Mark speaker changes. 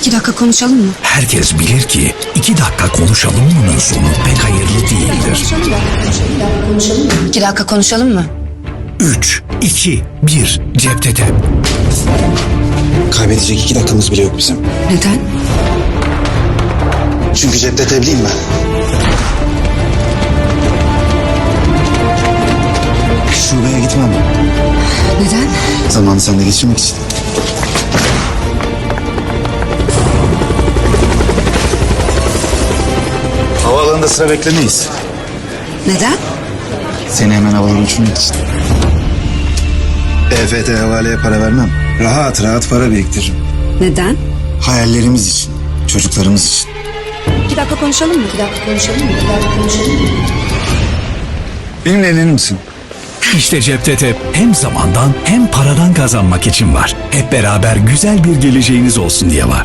Speaker 1: 2 dakika konuşalım mı?
Speaker 2: Herkes bilir ki 2 dakika konuşalım mı'nın sonu pek hayırlı değildir.
Speaker 1: 2 dakika konuşalım mı?
Speaker 2: 3, 2, 1, cepte tep.
Speaker 3: Kaybedecek 2 dakikamız bile yok bizim.
Speaker 1: Neden?
Speaker 3: Çünkü cepte tebliğim ben. Şubeye gitmem.
Speaker 1: Neden?
Speaker 3: Zamanı sende geçirmek için. Havaalanında sıra beklemeyiz.
Speaker 1: Neden?
Speaker 3: Seni hemen havalara uçurmak için. EFT havaleye para vermem. Rahat rahat para biriktiririm.
Speaker 1: Neden?
Speaker 3: Hayallerimiz için, çocuklarımız için.
Speaker 1: 2 dakika konuşalım mı? 2 dakika konuşalım mı? 2 dakika konuşalım mı?
Speaker 3: Benimle evlenir misin?
Speaker 2: İşte cepte tep hem zamandan hem paradan kazanmak için var. Hep beraber güzel bir geleceğiniz olsun diye var.